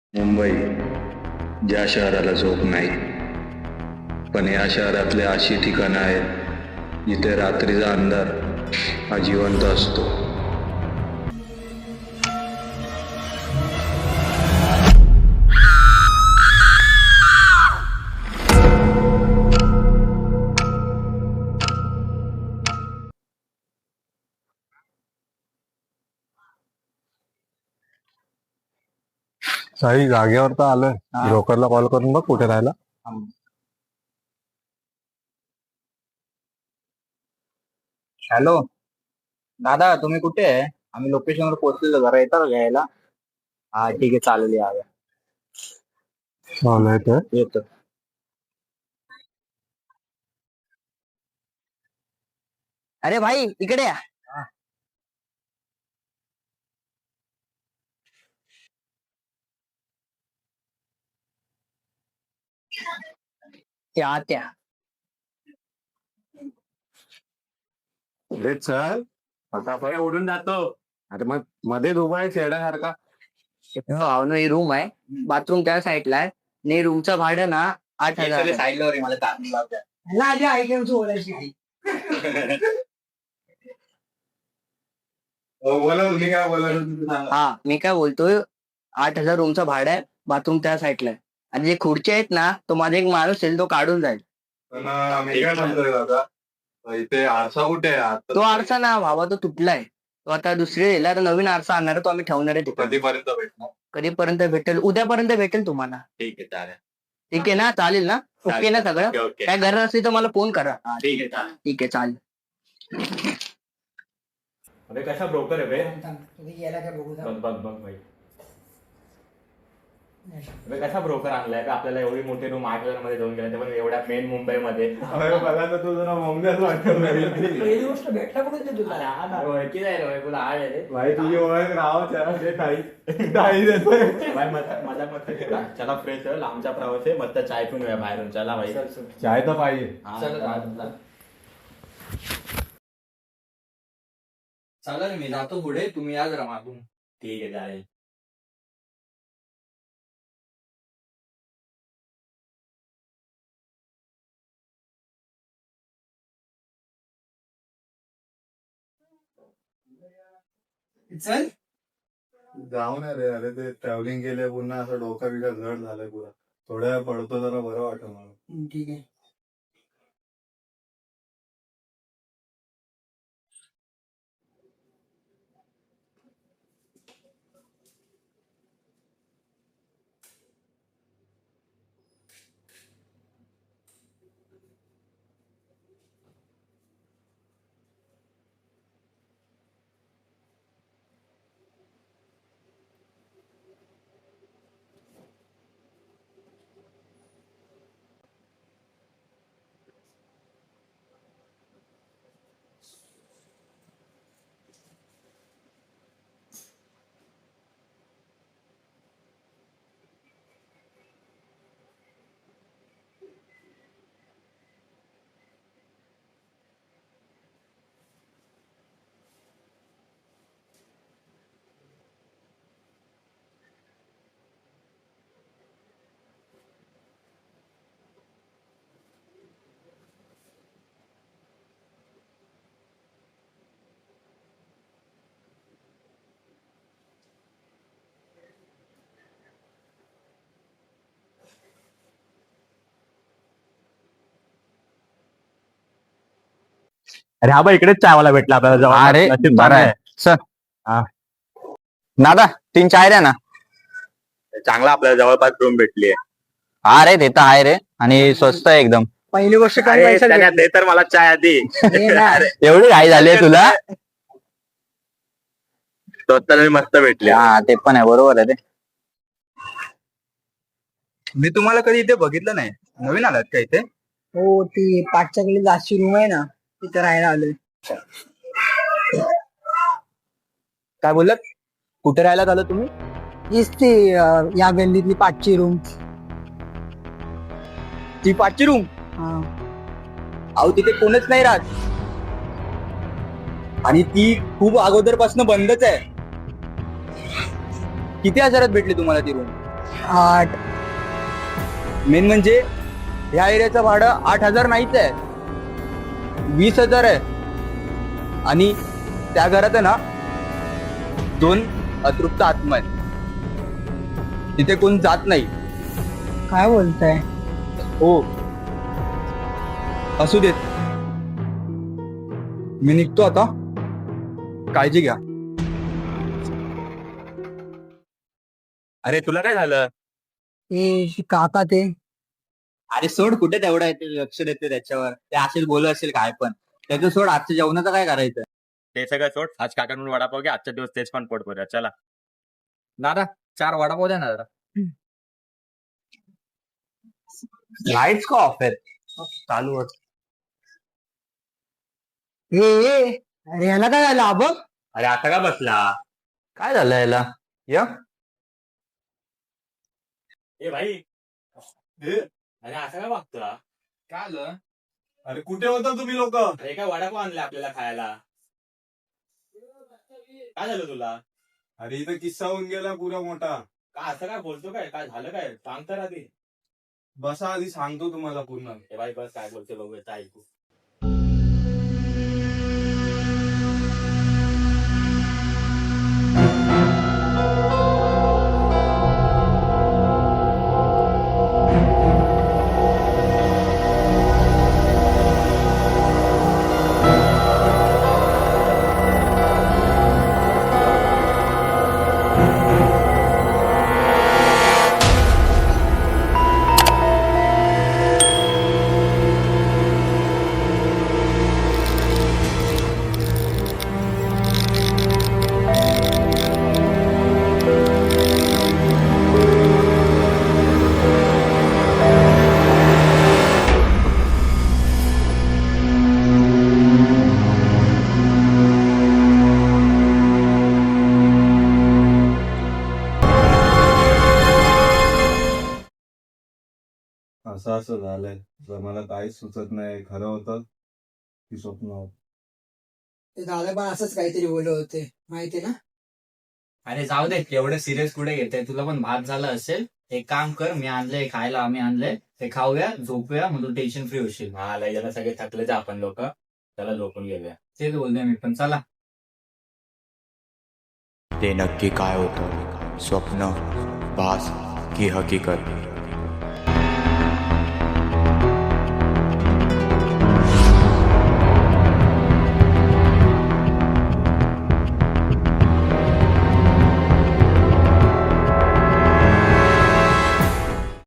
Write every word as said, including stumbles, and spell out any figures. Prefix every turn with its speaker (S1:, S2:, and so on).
S1: मुंबई ज्या शहराला झोप नाही, पण या शहरातले अशी ठिकाणं आहेत जिथे रात्रीचा अंधार हा जिवंत असतो.
S2: साई जागेवर तर आलोय. ब्रोकरला कॉल करून बघ कुठे राहिला.
S3: हॅलो दादा, तुम्ही कुठे आहे? आम्ही लोकेशनवर पोहोचलेलो, जरा येता का घ्यायला? हा ठीक आहे, चालेल, या या.
S2: चालू आहे तर
S3: येतो. अरे भाई, इकडे या. त्या त्या
S2: लेट चल, फटाफट उडून जातो. अरे मग मध्ये उभा आहे शेड्यासारखा.
S4: हो ना, ही रूम आहे. बाथरूम त्या साईडला आहे. आणि रूमचं भाडं ना आठ हजार
S3: साईडला रे, मला चांगली लावते.
S2: बोला तुम्ही काय बोला.
S4: हा, मी काय बोलतोय, आठ हजार रूमचं भाडं आहे. बाथरूम त्या साईडला आहे. आणि जे खुर्ची आहेत ना, तो माझा एक माणूस आहे, तो काढून जाईल.
S2: मी काय म्हणतोय दादा, इथे आरसा कुठे आहे आता?
S4: तो आरसा ना भावा, तो तुटलाय. तो आता दुसरे दिला, तर नवीन आरसा आणणार आहे, तो आम्ही ठेवणार आहे तिकडे.
S2: कधीपर्यंत भेटणार?
S4: कधीपर्यंत भेटेल? उद्यापर्यंत भेटेल तुम्हाला.
S2: ठीक आहे, चालेल.
S4: ठीक आहे ना, चालेल ना? ओके ना सगळं?
S2: ओके ओके,
S4: काय गरज असली तर मला फोन करा.
S2: ठीक आहे, चालेल.
S4: ठीक आहे, चालेल.
S5: अरे कशा ब्रोकर आहे बे? बघ बघ बघ भाई. अरे कसा ब्रोकर आणलाय का आपल्याला? एवढी मोठी रूम आठ हजार मध्ये देऊन गेला, ते पण एवढ्या मेन मुंबईमध्ये.
S2: मला तर तू जरा मुंबईच वाटत
S4: पहिली गोष्ट भेटला कुठे ते तुला?
S5: ओळखी नाही रे तुला, आड आहे रे.
S2: भाई तुझी ओळख राव ताई देतोय.
S5: भाई मजा मजा मत थोडा. चला फ्रेश आहे, लांबचा प्रवास आहे, मस्त चाय पिऊन या बाहेरून. चला भाई.
S2: चाय तर पाहिजे.
S5: हा, चला.
S3: चालेल, मी जातो पुढे, तुम्ही या जरा मागून.
S5: ठीक आहे, चालेल.
S3: चल.
S2: जाऊन अरे अरे ते ट्रॅव्हलिंग केले, पुन्हा असं डोका बिका जड झालंय पुरा. थोड्या वेळ पडतो, जरा बरं वाटत मला.
S4: ठीक आहे.
S5: अरे हा, बा इकडेच चायवाला भेटला आपल्याला जवळ.
S6: अरे
S5: नशीब
S6: बरं
S5: चांगलं
S6: आहे सर.
S5: हा.
S6: दादा तीन चाय द्या ना.
S5: चांगला आपल्याला जवळपास रूम भेटली आहे.
S6: हा रे, ते तर आहे रे, आणि स्वस्त आहे एकदम.
S4: पहिली गोष्ट काय
S5: अरे,
S4: पैसा
S5: त्याच्यात दे तर मला चाय आधी.
S6: एवढी घाई झाली आहे तुला?
S5: स्वस्त आणि मस्त भेटली.
S6: हा, ते पण आहे, बरोबर आहे ते.
S3: मी तुम्हाला कधी इथे बघितलं नाही. नवीन आलात का इथे?
S4: हो, ती पाठच्याकडे जास्ती रूम आहे ना, तिथे राहायला आलोय.
S3: काय बोललात? कुठे राहायला आलं तुम्ही?
S4: हीच ती अं, या गल्लीतली पाचची रूम.
S3: ती पाचची रूम? अहो, तिथे कोणच नाही राहत, आणि ती खूप अगोदरपासून बंदच आहे. किती हजारात भेटली तुम्हाला ती रूम?
S4: आठ.
S3: मेन म्हणजे ह्या एरियाचं भाडं आठ हजार नाहीच आहे, वीस हजार आहे. आणि त्या घरात आहे ना दोन अतृप्त आत्मा आहेत. तिथे कोण जात नाही.
S4: काय बोलताय?
S3: हो, असू देत, मी निघतो आता. काळजी घ्या.
S6: अरे तुला काय झालं?
S4: ए काका ते
S3: अरे सोड, कुठे तेवढा आहे ते लक्ष देते त्याच्यावर. ते असेच बोलत असेल काय पण. त्याचं सोड, आजच्या जेवणाचं काय करायचं?
S5: ते सगळं सोड, आज काकांकडून वडापाव घ्या, आजच्या दिवस तेच पण पोट भरूया. चला.
S3: दादा चार वडापाव द्या ना जरा. लाईट्स का ऑफ आहेत? चालू होत.
S4: ए ए, अरे ह्याला काय झालं अब?
S3: अरे आता का बसला? काय झालं याला? य
S5: ए भाई,
S2: ए,
S5: अरे असं काय वागतो?
S3: काय आलं?
S2: अरे कुठे होता तुम्ही लोक?
S5: अरे काय वडापाव आणले आपल्याला खायला? काय झालं तुला?
S2: अरे इथं किस्सा होऊन गेला पुरा मोठा.
S5: काय असं काय बोलतो? काय काय झालं? काय सांग तर आधी.
S2: बसा, आधी सांगतो तुम्हाला पूर्ण.
S5: ए भाई बस, काय बोलते बघूया, ऐकू.
S2: असं असं झालंय, तर मला काहीच सुचत नाही, खरं होतं की स्वप्न होतं.
S4: ते दादा पण असंच काहीतरी बोलत होते, माहिती ना.
S3: अरे जाऊ दे, एवढं सिरियस कुठे घेते? तुला पण भात झाला असेल. एक काम कर, मी आणलंय खायला, आम्ही आणलंय ते खाऊया, झोपूया, मग तू टेन्शन फ्री होशील.
S5: हा लय जण सगळे थकलेच आपण लोक, त्याला झोपून घेऊया.
S3: तेच बोलतोय मी पण. चला.
S7: ते नक्की काय होतं? स्वप्न, भास की हकीकत?